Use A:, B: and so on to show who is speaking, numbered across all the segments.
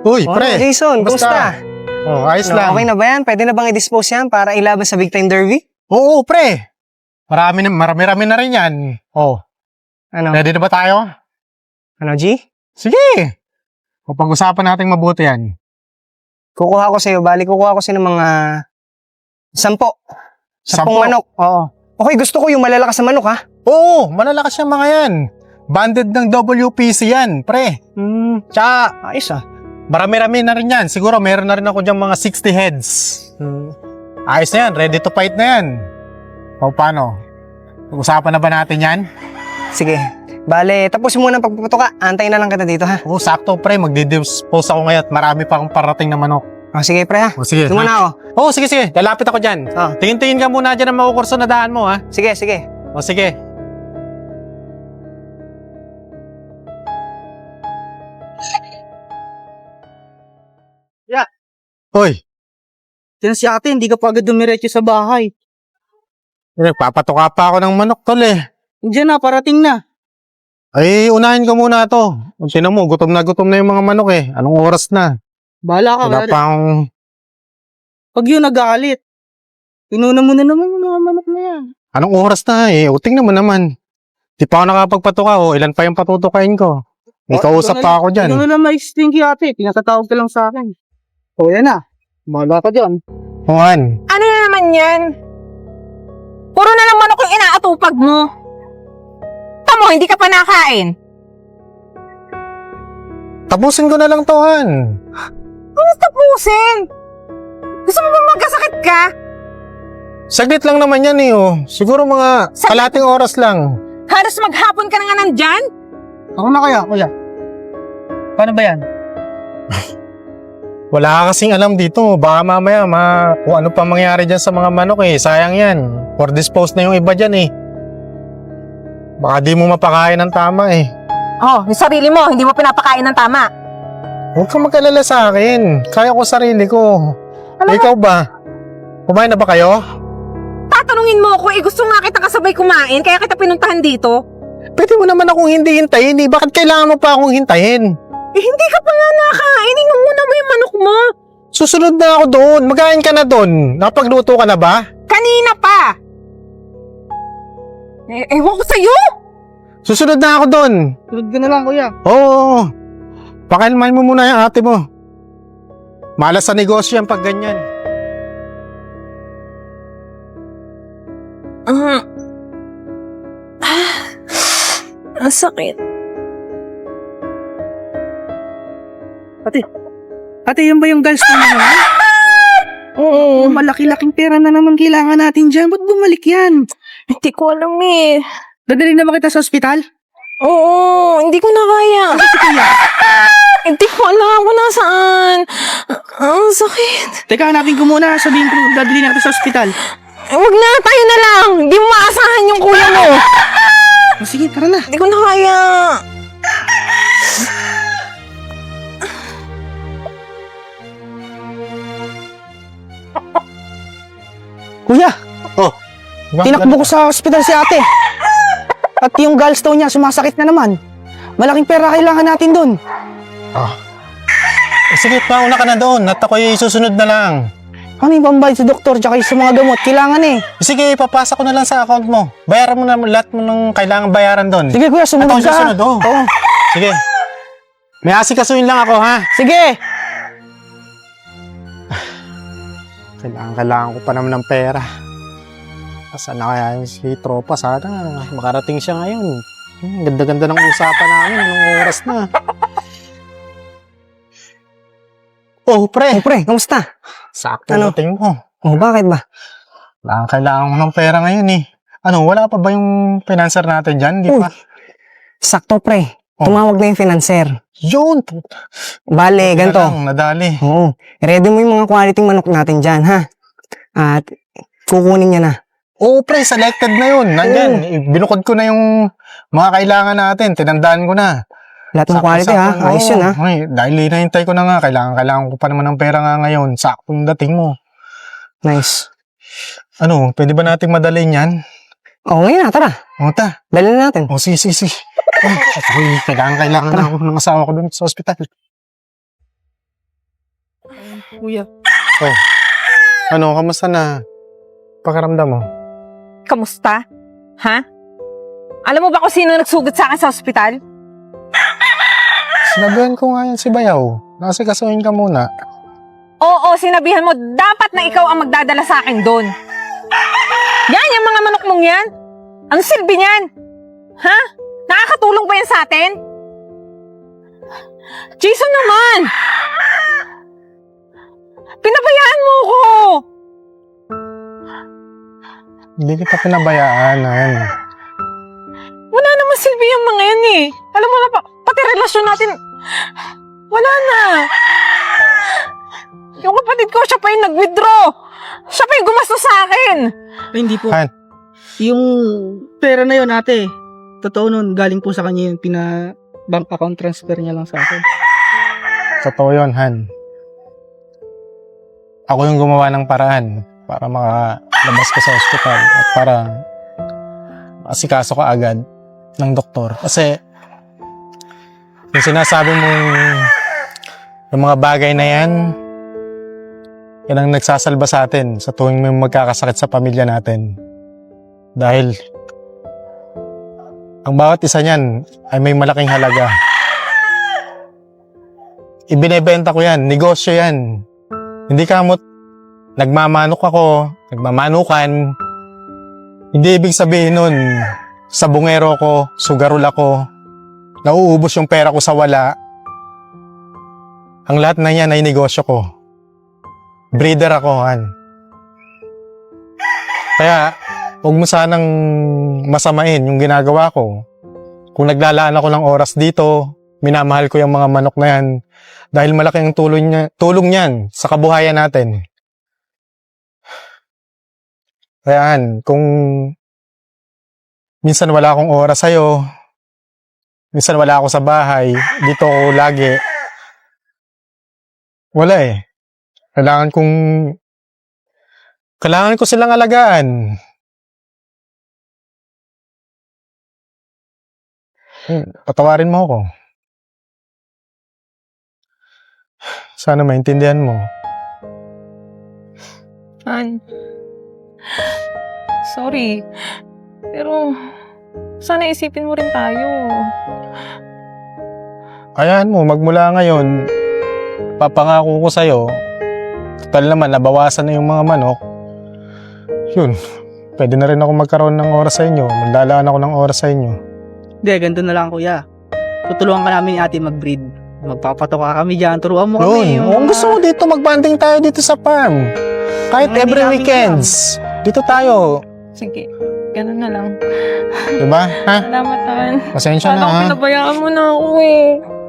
A: Uy, pre.
B: Jason, kumusta?
A: Ayos lang.
B: Okay na ba yan? Pwede na bang i-dispose yan para ilaban sa big time derby?
A: Oo, pre. Marami-rami na rin yan.
B: Ano?
A: Ready na ba tayo?
B: Ano, G?
A: Sige. Pag-usapan natin mabuti yan.
B: Kukuha ko sa'yo ng mga 10 manok. Oo. Okay, gusto ko yung malalakas na manok, ha?
A: Oo, malalakas yung mga yan. Banded ng WPC yan, pre. Tsaka,
B: Ayos, ah.
A: marami-rami na rin yan. Siguro meron na rin ako dyan mga 60 heads. Ayos na yan, ready to fight na yan. Paano? Usapan na ba natin yan?
B: Sige. Bale, tapos muna ang pagpapatuka. Antayin na lang kita dito, ha?
A: Oo, sakto pre, magdi-dispose ako ngayon at marami pa akong parating na manok.
B: Sige, pre, ha?
A: Sige.
B: Doon muna ako.
A: Sige. Lalapit ako dyan.
B: Oh.
A: Tingin-tingin ka muna dyan ang makukurso na daan mo, ha?
B: Sige.
A: Sige.
C: Ya.
A: Hoy,
C: Diyan si ate, hindi ka pa agad dumiretso sa bahay.
A: nagpapatuka pa ako ng manok, tol eh.
C: Diyan na, parating na.
A: Ay, unahin ko muna to. Tinan mo, gutom na yung mga manok eh. Anong oras na?
C: Bahala ka.
A: Wala pa akong...
C: Pag yun nag-aalit, pinuna mo na naman yung mga manok na yan.
A: Anong oras na eh? Tingnan mo naman. Di pa ako nakapagpatuka oh. Ilan pa yung patutukain ko? May kausap pa ako dyan.
C: Ikaw na lang ma-explain kay ate. Pinakatawag ka lang sa akin. Yan na. Bahala ka dyan.
A: Juan.
D: Ano na naman yan? Puro na lang manok yung inaatupag mo. Tamo, hindi ka pa nakain.
A: Tapusin ko na lang to, Han.
D: Ano tapusin? Gusto mo ba magkasakit ka?
A: Saglit lang naman yan eh oh. Siguro mga kalating oras lang.
D: Halos maghapon ka na nga nandyan?
C: Ako na kaya, kuya. Paano ba yan?
A: Wala ka kasing alam dito. Baka mamaya kung ano pa mangyari dyan sa mga manok eh. Sayang yan. For dispose na yung iba dyan eh. Baka di mo mapakain ng tama eh.
D: Oh, yung sarili mo, hindi mo pinapakain ng tama.
A: Huwag kang mag-alala sa akin. Kaya ko sarili ko. Ikaw ba? Kumain na ba kayo?
D: Tatanungin mo ako, gusto nga kita kasabay kumain, kaya kita pinuntahan dito.
A: Pwede mo naman akong hindi hintayin eh. Bakit kailangan mo pa akong hintayin?
D: Hindi ka pa nga nakain, inunguna mo yung manok mo.
A: Susunod na ako doon. Magain ka na doon. Nakapagluto ka na ba?
D: Kanina pa. Ewan ko sa'yo.
A: Susunod na ako doon.
C: Sunod ka na lang, kuya.
A: Oo. Pakalmahin mo muna yung ate mo. Malas sa negosyo yan pag ganyan.
D: Ang sakit.
C: Ate, yun ba yung gallstone na naman?
D: Oo.
C: Malaki-laking pera na naman kailangan natin dyan. Ba't bumalik yan?
D: Hindi ko alam eh.
C: Dadali na ba kita sa ospital?
D: Oo, hindi ko na kaya. Hindi ko alam kung nasaan. Ang sakit.
C: Teka, hanapin ko muna. Sabihin ko, dadali na kita sa ospital.
D: Huwag na, tayo na lang. Hindi mo maasahan yung kuya mo.
C: Sige, tara na.
D: Hindi ko na kaya.
C: Kuya,
B: Tinakbo ko sa ospital si ate. At yung gallstone niya, sumasakit na naman. Malaking pera kailangan natin doon.
A: Sige, mauna ka na doon. At ako'y susunod na lang.
B: Ano yung pambayad sa doktor tsaka sa mga gamot? Kailangan eh.
A: Sige, ipapasa ko na lang sa account mo. Bayaran mo na lahat mo ng kailangan bayaran doon.
B: Sige kuya, sumunod
A: At ako
B: ka.
A: susunod, oo.
B: Oo.
A: Sige. May asikasuhin lang ako, ha?
B: Sige.
A: Kailangan ko pa naman ng pera. Saan na kaya yung si tropa? Sana makarating siya ngayon. Ganda-ganda ng usapan namin. Anong oras na? Oh, pre.
B: Kamusta?
A: Sakto
B: Ano?
A: dating mo.
B: Oh, bakit ba?
A: Kailangan ko ng pera ngayon eh. Ano, wala pa ba yung financer natin dyan? Di
B: Uy.
A: pa?
B: Sakto pre.
A: Oh.
B: Tumawag na yung financer.
A: Yun!
B: Bale, ganito.
A: Nadali.
B: Oo. Ready mo yung mga quality manok natin dyan, ha? At kukunin niya na.
A: Oo, pre, selected na yun. Nandyan. Binukod ko na yung mga kailangan natin. Tinandaan ko na.
B: Lahat ng quality, ha?
A: Sakto-sakto.
B: Ayos yun, ha?
A: Ay, dahil hinahintay ko na nga. Kailangan ko pa naman ng pera nga ngayon. Saktong dating mo.
B: Nice.
A: Ano, pwede ba nating madalhin yan?
B: Oo, ngayon na, tara.
A: O, ta.
B: Dali na natin.
A: O, sige. Ay, kailangan na ako ng asawa ko dun sa ospital.
C: Kuya.
A: Ano, kamusta na? Pakaramdam mo?
D: Kamusta? Ha? Alam mo ba kung sino nagsugat sa akin sa ospital?
A: Sinabihan ko nga yan si Bayaw. Nasikasuhin ka muna.
D: Oo, sinabihan mo, dapat na ikaw ang magdadala sa akin doon. Yan, yung mga manok mong yan. Ang silbi niyan? Ha? Nakakatulong ba yan sa atin? Jason naman! Pinabayaan mo ko!
A: Hindi kita pinabayaan, Han.
D: Wala naman silbi yung mga yan eh. Alam mo na, pati relasyon natin, wala na. Yung kapatid ko, siya pa yung nag-withdraw. Siya pa yung gumastos sa akin.
C: Ay, hindi po.
A: Han.
C: Yung pera na yun, ate. Totoo nun, galing po sa kanya yung bank account transfer niya lang sa akin.
A: Totoo yun, Han. Ako yung gumawa ng paraan para makalabas ko sa ospital at para asikaso ka agad ng doktor. Kasi yung sinasabi mong yung mga bagay na yan ang nagsasalba sa atin sa tuwing may magkakasakit sa pamilya natin. Dahil ang bawat isa niyan ay may malaking halaga. Ibinebenta ko yan, negosyo yan. Hindi kamot nagmamanok ako, nagmamanukan. Hindi ibig sabihin nun, sabungero ko, sugarol ako, nauubos yung pera ko sa wala. Ang lahat na yan ay negosyo ko. Breeder ako, Han. Kaya, huwag mo sanang masamain yung ginagawa ko. Kung naglalaan ako ng oras dito, minamahal ko yung mga manok na yan dahil malaki ang tulong niyan sa kabuhayan natin. Kaya, Han, kung minsan wala akong oras sa'yo, minsan wala ako sa bahay, dito ako lagi, wala eh. Kailangan ko silang alagaan. Patawarin mo ako. Sana maintindihan mo.
D: Han, sorry. Pero, sana isipin mo rin tayo.
A: Ayan mo, magmula ngayon, papangako ko sa'yo, total naman, nabawasan na yung mga manok. Yun, pwede na rin ako magkaroon ng oras sa inyo. Maglalaan ako ng oras sa inyo.
C: Hindi, ganito na lang, kuya. Tutulungan ka namin ni ate mag-breed. Magpapatoka kami dyan. Turuan mo kami.
A: Yun, kung gusto mo dito, magbanding tayo dito sa farm. Kahit
C: Hindi
A: every
C: namin
A: weekends. Dito tayo.
D: Sige, ganun na lang.
A: Diba? Ha?
D: Salamat, Han.
A: Pasensya na,
D: Kala ko
A: ha?
D: pinabayaan mo na ako eh.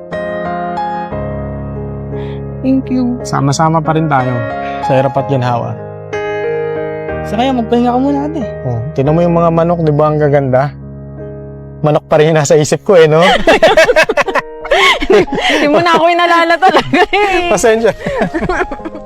D: Thank you.
A: Sama-sama pa rin tayo sa hirap at ginhawa.
C: Sa kaya, magpahinga ka muna, ate.
A: Oh, tinan mo yung mga manok, di ba ang gaganda? Manok pa rin yung nasa isip ko eh, no?
D: Hindi mo na ako inalala talaga eh.
A: Pasensya.